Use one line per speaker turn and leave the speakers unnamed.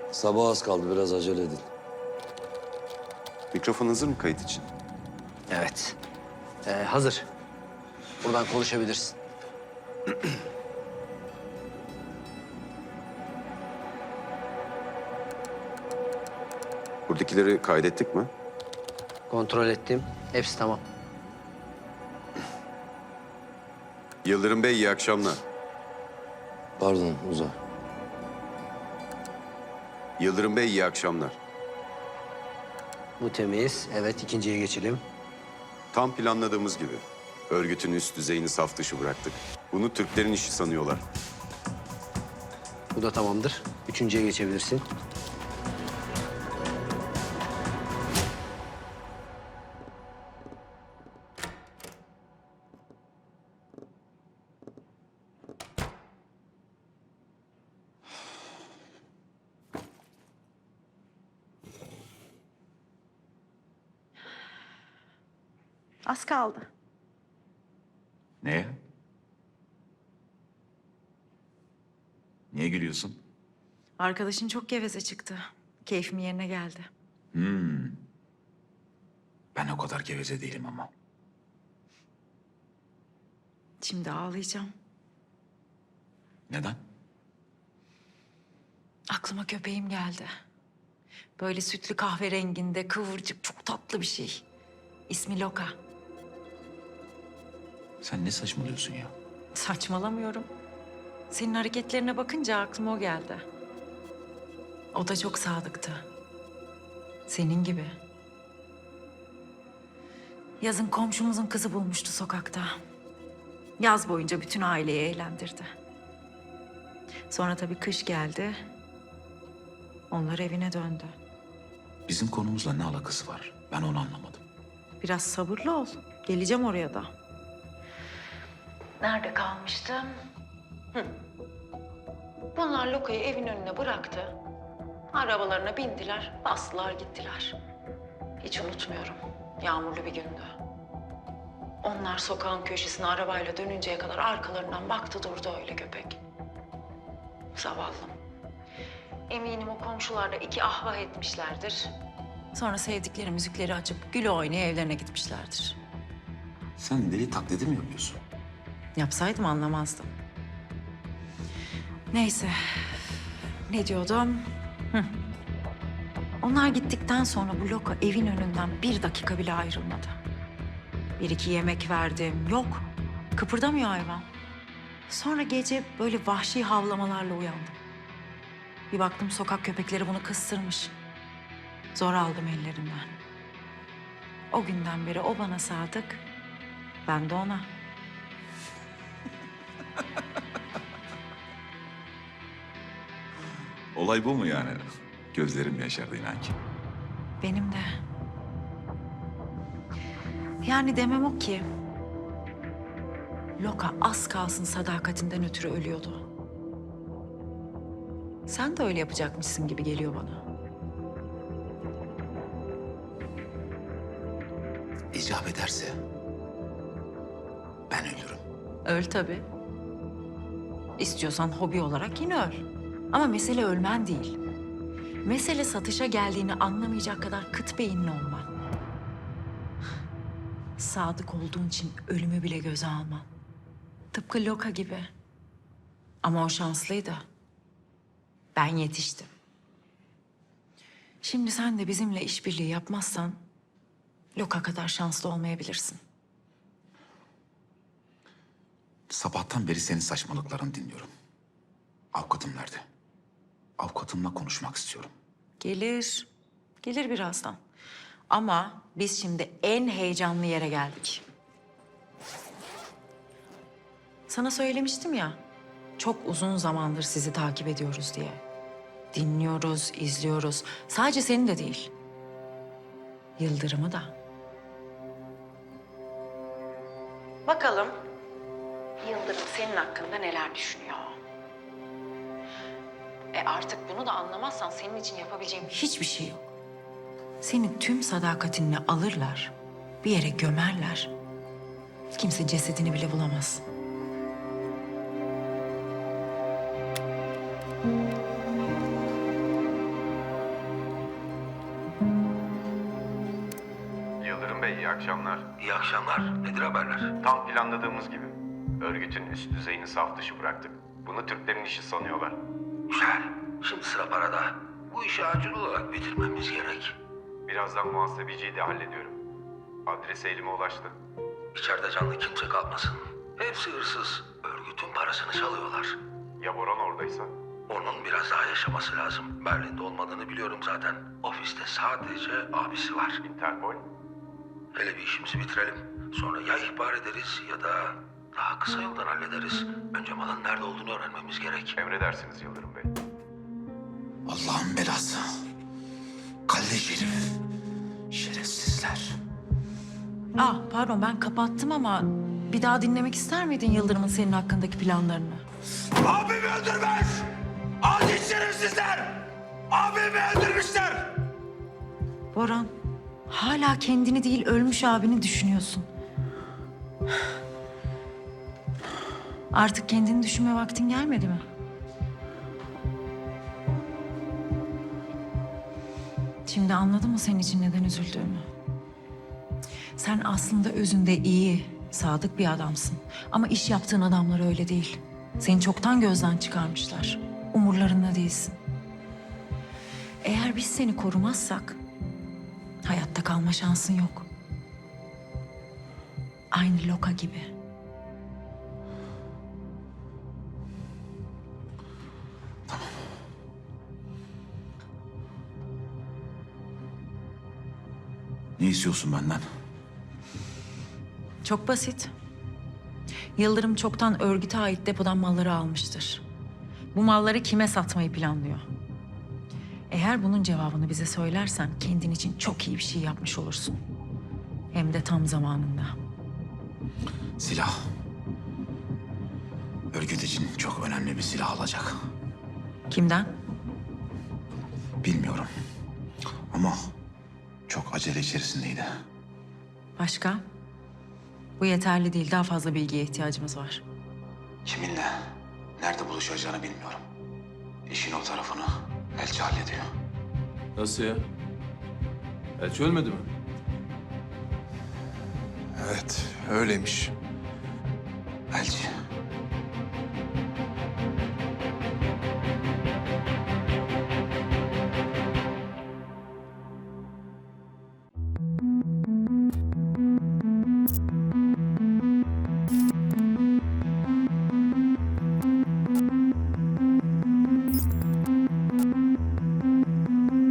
Sabah az kaldı, biraz acele edin.
Mikrofon hazır mı kayıt için?
Evet. Hazır. Buradan konuşabilirsin.
Buradakileri kaydettik mi?
Kontrol ettim. Hepsi tamam.
Yıldırım Bey, iyi akşamlar.
Pardon, Uzay.
Yıldırım Bey, iyi akşamlar.
Bu temiz. Evet, ikinciye geçelim.
Tam planladığımız gibi. Örgütün üst düzeyini saf dışı bıraktık. Bunu Türklerin işi sanıyorlar.
Bu da tamamdır. Üçüncüye geçebilirsin.
Az kaldı.
Neye? Niye gülüyorsun?
Arkadaşın çok geveze çıktı. Keyfim yerine geldi.
Ben o kadar geveze değilim ama.
Şimdi ağlayacağım.
Neden?
Aklıma köpeğim geldi. Böyle sütlü kahverenginde, kıvırcık, çok tatlı bir şey. İsmi Loka.
Sen ne saçmalıyorsun ya?
Saçmalamıyorum. Senin hareketlerine bakınca aklıma o geldi. O da çok sadıktı. Senin gibi. Yazın komşumuzun kızı bulmuştu sokakta. Yaz boyunca bütün aileyi eğlendirdi. Sonra tabii kış geldi. Onlar evine döndü.
Bizim konumuzla ne alakası var? Ben onu anlamadım.
Biraz sabırlı ol. Geleceğim oraya da. Nerede kalmıştım? Bunlar Loka'yı evin önüne bıraktı. Arabalarına bindiler, bastılar gittiler. Hiç unutmuyorum. Yağmurlu bir gündü. Onlar sokağın köşesine arabayla dönünceye kadar arkalarından baktı durdu öyle köpek. Zavallım. Eminim o komşular da iki ahvah etmişlerdir. Sonra sevdikleri müzikleri açıp gül oynaya evlerine gitmişlerdir.
Sen deli taklidi mi yapıyorsun?
Yapsaydım anlamazdım. Neyse. Ne diyordum? Onlar gittikten sonra bu Loka evin önünden bir dakika bile ayrılmadı. Bir iki yemek verdim. Yok. Kıpırdamıyor hayvan. Sonra gece böyle vahşi havlamalarla uyandım. Bir baktım sokak köpekleri bunu kıstırmış. Zor aldım ellerinden. O günden beri o bana sadık, ben de ona.
Olay bu mu yani? Gözlerim yaşardı inan ki.
Benim de. Yani demem o ki... Loka az kalsın sadakatinden ötürü ölüyordu. Sen de öyle yapacakmışsın gibi geliyor bana.
İcap ederse ben ölürüm.
Öl tabii. İstiyorsan hobi olarak yine öl. Ama mesele ölmen değil. Mesele satışa geldiğini anlamayacak kadar kıt beyinli olman. Sadık olduğun için ölümü bile göze alman. Tıpkı Loka gibi. Ama o şanslıydı. Ben yetiştim. Şimdi sen de bizimle işbirliği yapmazsan... Loka kadar şanslı olmayabilirsin.
Sabahtan beri senin saçmalıklarını dinliyorum. Avukatım nerede? Avukatımla konuşmak istiyorum.
Gelir. Gelir birazdan. Ama biz şimdi en heyecanlı yere geldik. Sana söylemiştim ya, çok uzun zamandır sizi takip ediyoruz diye. Dinliyoruz, izliyoruz. Sadece seni de değil. Yıldırım'ı da. Bakalım Yıldırım senin hakkında neler düşünüyor? Artık bunu da anlamazsan senin için yapabileceğim hiçbir şey yok. Seni tüm sadakatinle alırlar, bir yere gömerler. Kimse cesedini bile bulamaz.
iyi akşamlar.
İyi akşamlar. Nedir haberler?
Tam planladığımız gibi. Örgütün üst düzeyini saf dışı bıraktık. Bunu Türklerin işi sanıyorlar.
Güzel. Şimdi sıra parada. Bu işi acil olarak bitirmemiz gerek.
Birazdan muhasebeciyi de hallediyorum. Adresi elime ulaştı.
İçeride canlı kimse kalmasın. Hepsi hırsız. Örgütün parasını çalıyorlar.
Ya Boran oradaysa?
Onun biraz daha yaşaması lazım. Berlin'de olmadığını biliyorum zaten. Ofiste sadece abisi var.
Interpol?
Hele bir işimizi bitirelim. Sonra ya ihbar ederiz ya da daha kısa yoldan hallederiz. Önce malın nerede olduğunu öğrenmemiz gerek.
Emredersiniz Yıldırım Bey.
Allah'ın belası. Kalleş herif. Şerefsizler.
Pardon ben kapattım ama bir daha dinlemek ister miydin Yıldırım'ın senin hakkındaki planlarını?
Abimi öldürmüş! Adi şerefsizler! Abimi öldürmüşler!
Boran, hala kendini değil ölmüş abini düşünüyorsun. Artık kendini düşünme vaktin gelmedi mi? Şimdi anladın mı senin için neden üzüldüğümü? Sen aslında özünde iyi, sadık bir adamsın. Ama iş yaptığın adamlar öyle değil. Seni çoktan gözden çıkarmışlar. Umurlarında değilsin. Eğer biz seni korumazsak hayatta kalma şansın yok. Aynı Loka gibi.
Ne istiyorsun benden?
Çok basit. Yıldırım çoktan örgüte ait depodan malları almıştır. Bu malları kime satmayı planlıyor? Eğer bunun cevabını bize söylersen kendin için çok iyi bir şey yapmış olursun. Hem de tam zamanında.
Silah. Örgüt için çok önemli bir silah alacak.
Kimden?
Bilmiyorum. Ama çok acele içerisindeydi.
Başka? Bu yeterli değil. Daha fazla bilgiye ihtiyacımız var.
Kiminle, nerede buluşacağını bilmiyorum. İşin o tarafını elçi hallediyor.
Nasıl ya? Elçi ölmedi mi?
Evet, öyleymiş.
Elçi